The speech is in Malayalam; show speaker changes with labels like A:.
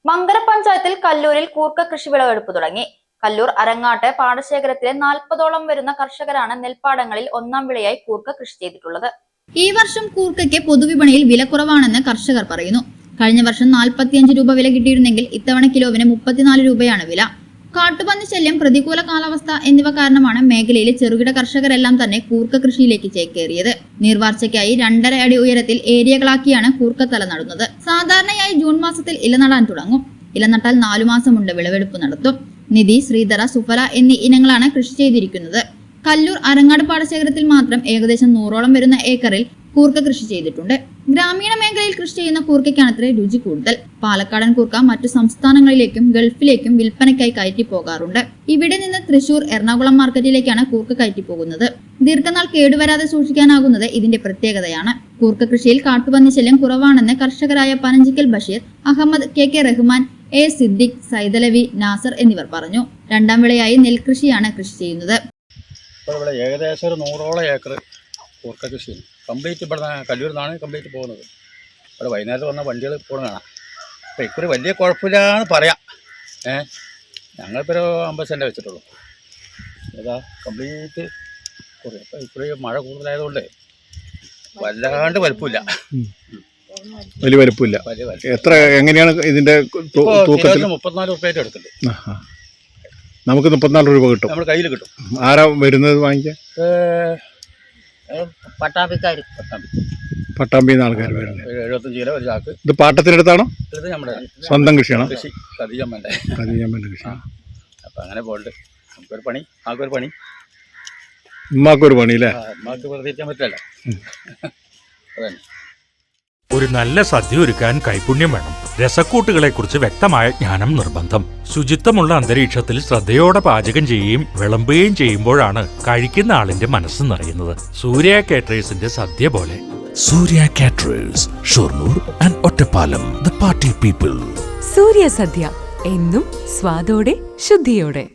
A: മങ്കര പഞ്ചായത്തിൽ കല്ലൂരിൽ കൂർക്ക കൃഷി വിളവെടുപ്പ് തുടങ്ങി. കല്ലൂർ അരങ്ങാട്ട് പാടശേഖരത്തിലെ 40ഓളം വരുന്ന കർഷകരാണ് നെൽപ്പാടങ്ങളിൽ ഒന്നാം വിളയായി കൂർക്ക കൃഷി ചെയ്തിട്ടുള്ളത്.
B: ഈ വർഷം കൂർക്കയ്ക്ക് പൊതുവിപണിയിൽ വില കുറവാണെന്ന് കർഷകർ പറയുന്നു. കഴിഞ്ഞ വർഷം 45 രൂപ വില കിട്ടിയിരുന്നെങ്കിൽ ഇത്തവണ കിലോവിന് 34 രൂപയാണ് വില. കാട്ടുപന്നി ശല്യം, പ്രതികൂല കാലാവസ്ഥ എന്നിവ കാരണമാണ് മേഖലയിലെ ചെറുകിട കർഷകരെല്ലാം തന്നെ കൂർക്ക കൃഷിയിലേക്ക് ചേക്കേറിയത്. നീർവാർച്ചയ്ക്കായി 2.5 അടി ഉയരത്തിൽ ഏരിയകളാക്കിയാണ് കൂർക്കത്തല നടുന്നത്. സാധാരണയായി ജൂൺ മാസത്തിൽ ഇല നടാൻ തുടങ്ങും. ഇല നട്ടാൽ 4 മാസം കൊണ്ട് വിളവെടുപ്പ് നടത്തും. നിധി, ശ്രീധര, സുഫല എന്നീ ഇനങ്ങളാണ് കൃഷി ചെയ്തിരിക്കുന്നത്. കല്ലൂർ അരങ്ങാട് പാടശേഖരത്തിൽ മാത്രം ഏകദേശം 100ഓളം വരുന്ന ഏക്കറിൽ കൂർക്ക കൃഷി ചെയ്തിട്ടുണ്ട്. ഗ്രാമീണ മേഖലയിൽ കൃഷി ചെയ്യുന്ന കൂർക്കയ്ക്കാണത്രേ രുചി കൂടുതൽ. പാലക്കാടൻ കൂർക്ക മറ്റു സംസ്ഥാനങ്ങളിലേക്കും ഗൾഫിലേക്കും വിൽപ്പനയ്ക്കായി കയറ്റി പോകാറുണ്ട്. ഇവിടെ നിന്ന് തൃശൂർ, എറണാകുളം മാർക്കറ്റിലേക്കാണ് കൂർക്ക കയറ്റി പോകുന്നത്. ദീർഘനാൾ കേടുവരാതെ സൂക്ഷിക്കാനാകുന്നത് ഇതിന്റെ പ്രത്യേകതയാണ്. കൂർക്ക കൃഷിയിൽ കാട്ടുപന്നി ശല്യം കുറവാണെന്ന് കർഷകരായ പനഞ്ചിക്കൽ ബഷീർ, അഹമ്മദ്, കെ റഹ്മാൻ, എ സിദ്ദിഖ്, സൈദലവി, നാസർ എന്നിവർ പറഞ്ഞു. രണ്ടാം വിളയായി നെൽകൃഷിയാണ് കൃഷി ചെയ്യുന്നത്.
C: ഇവിടെ ഏകദേശം 100ഓളം ഏക്കർ കൂർക്ക കൃഷിയാണ്. കംപ്ലീറ്റ് ഇവിടെ കല്ലൂരിൽ നിന്നാണ് കംപ്ലീറ്റ് പോകുന്നത്. ഇവിടെ വൈകുന്നേരത്ത് വന്ന വണ്ടികൾ പോകുന്ന കാണാം. അപ്പോൾ ഇക്കുറി വലിയ കുഴപ്പമില്ലാന്ന് പറയാം. ഞങ്ങളിപ്പോൾ ഒരു 50 സെൻറ്റ് വെച്ചിട്ടുള്ളൂ. ഏതാ കംപ്ലീറ്റ് കുറേ. അപ്പോൾ ഇക്കുറി മഴ കൂടുതലായതുകൊണ്ട് വല്ലാണ്ട് വലുപ്പമില്ല.
D: വലിയ വലുപ്പമില്ല. എത്ര എങ്ങനെയാണ് ഇതിൻ്റെ തൂക്കത്തിൽ?
C: 34 രൂപയായിട്ട് എടുക്കുന്നുണ്ട്.
D: നമുക്ക് 34 രൂപ കിട്ടും,
C: നമ്മുടെ കയ്യിൽ കിട്ടും.
D: ആരാ വരുന്നത് വാങ്ങിക്കാൻ? പട്ടാമ്പിയിൽ നിന്ന് ആൾക്കാർ വരുന്നത്.
C: 75 കിലോ ഒരു ചാക്ക്.
D: ഇത് പാട്ടത്തിനടുത്താണോ?
C: ഇത് നമ്മുടെ
D: സ്വന്തം കൃഷിയാണോ?
C: കൃഷി കതിയമ്മൻ്റെ
D: കൃഷി.
C: അപ്പം അങ്ങനെ പോകണ്ട്. നമുക്കൊരു പണി, ആൾക്കൊരു പണി,
D: ഉമ്മാക്കൊരു പണി അല്ലേ?
C: ഉമ്മാക്ക് പ്രതീക്ഷിക്കാൻ പറ്റില്ല. അതന്നെ.
E: ഒരു നല്ല സദ്യ ഒരുക്കാൻ കൈപുണ്യം വേണം. രസക്കൂട്ടുകളെക്കുറിച്ച് വ്യക്തമായ ജ്ഞാനം നിർബന്ധം. ശുചിത്വമുള്ള അന്തരീക്ഷത്തിൽ ശ്രദ്ധയോടെ പാചകം ചെയ്യുകയും വിളമ്പുകയും ചെയ്യുമ്പോഴാണ് കഴിക്കുന്ന ആളിന്റെ മനസ്സ് നിറയുന്നത്. സൂര്യ കാറ്ററേഴ്സിന്റെ സദ്യ പോലെ.
F: Surya caterers, Shoranur and Ottapalam. The party people.
G: Surya സദ്യ എന്നും സ്വാദോടെ ശുദ്ധിയോടെ.